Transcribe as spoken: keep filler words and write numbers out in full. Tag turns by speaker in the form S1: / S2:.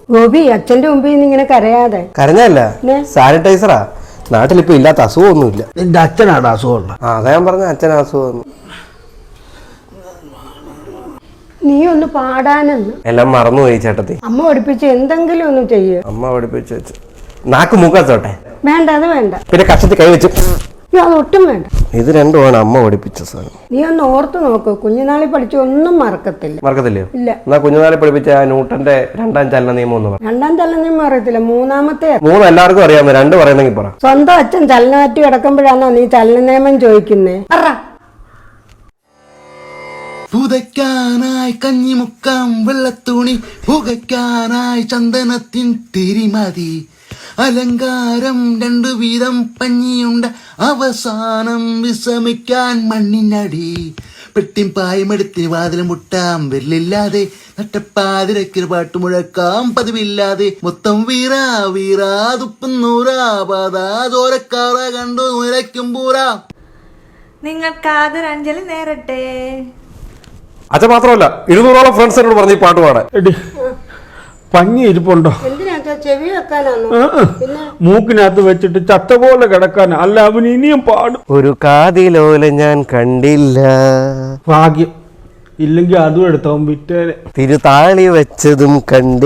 S1: ഗോപി അച്ഛന്റെ മുമ്പിൽ നിന്ന് ഇങ്ങനെ കരയാതെ.
S2: കരഞ്ഞല്ല, സാനിറ്റൈസറാ. നാട്ടിലിപ്പോ ഇല്ലാത്ത അസുഖമൊന്നുമില്ല.
S3: എന്റെ അച്ഛനാണ് അസുഖമുള്ള.
S2: ആ അതാ ഞാൻ പറഞ്ഞ അച്ഛൻ അസുഖം.
S1: നീ ഒന്ന് പാടാനെന്ന്
S2: എല്ലാം മറന്നുപോയി ചേട്ടത്തി.
S1: അമ്മ പഠിപ്പിച്ച് എന്തെങ്കിലും ഒന്ന് ചെയ്യ്.
S2: അമ്മ പഠിപ്പിച്ച് വെച്ച് നാക്ക് മൂക്കാത്തോട്ടെ.
S1: വേണ്ട, അത് വേണ്ട.
S2: പിന്നെ കഷത്തിൽ കൈ വെച്ച്
S1: അതൊട്ടും വേണ്ട.
S2: ഇത് രണ്ടുമാണ് അമ്മ പഠിപ്പിച്ച സാധനം.
S1: നീ ഒന്ന് ഓർത്ത് നോക്ക്, കുഞ്ഞുനാളിൽ പഠിച്ച ഒന്നും മറക്കത്തില്ല.
S2: മറക്കത്തില്ലയോ?
S1: ഇല്ല.
S2: എന്നാ കുഞ്ഞുനാളിൽ പഠിപ്പിച്ച ന്യൂട്ടന്റെ രണ്ടാം ചലന നിയമം ഒന്ന് പറ.
S1: രണ്ടാം ചലന നിയമം അറിയത്തില്ല, മൂന്നാമത്തെ.
S2: മൂന്ന് എല്ലാവർക്കും അറിയാമോ? രണ്ട് പറയുന്നെങ്കിൽ പറ.
S1: സ്വന്തം അച്ഛൻ ചലനാറ്റി കിടക്കുമ്പോഴാണോ നീ ചലന നിയമം ചോദിക്കുന്നേ?
S4: പുതയ്ക്കാനായി കഞ്ഞിമുക്കാം വെള്ളത്തുണി, പുകയ്ക്കാനായി ചന്ദനത്തിൻ തിരിമതി, അലങ്കാരം രണ്ടു വീതം പഞ്ഞിയുണ്ട്, അവസാനം വിശ്രമിക്കാൻ മണ്ണിനടി, പെട്ടിം പായമെടുത്തി വാതിലും മുട്ടാം വെല്ലില്ലാതെ, നട്ടപ്പാതിരക്കൊരു പാട്ട് മുഴക്കാം പതിവില്ലാതെ, മൊത്തം വീറാ വീറാ തുപ്പുന്നൂറാ പാതാ ചോരക്കാറ കണ്ടു നിലയ്ക്കും പൂരാ.
S5: നിങ്ങൾക്ക് ആദര അഞ്ജലി നേരട്ടെ.
S2: അത് മാത്രമല്ല, ഇരുന്നൂറോളം ഫ്രണ്ട്സിനോട് പറഞ്ഞ് ഈ പാട്ട് പാടാൻ.
S3: പഞ്ഞി ഇരിപ്പുണ്ടോ?
S1: ചെവി വെക്കാനാണോ?
S3: മൂക്കിനകത്ത് വെച്ചിട്ട് ചത്ത പോലെ കിടക്കാൻ. അല്ല, അവൻ ഇനിയും പാടും.
S2: ഒരു കാതിലോല ഞാൻ കണ്ടില്ല.
S3: ഭാഗ്യം ഇല്ലെങ്കിൽ അതും എടുത്തവൻ വിറ്റേനെ.
S2: തിരുതാളി വെച്ചതും കണ്ടി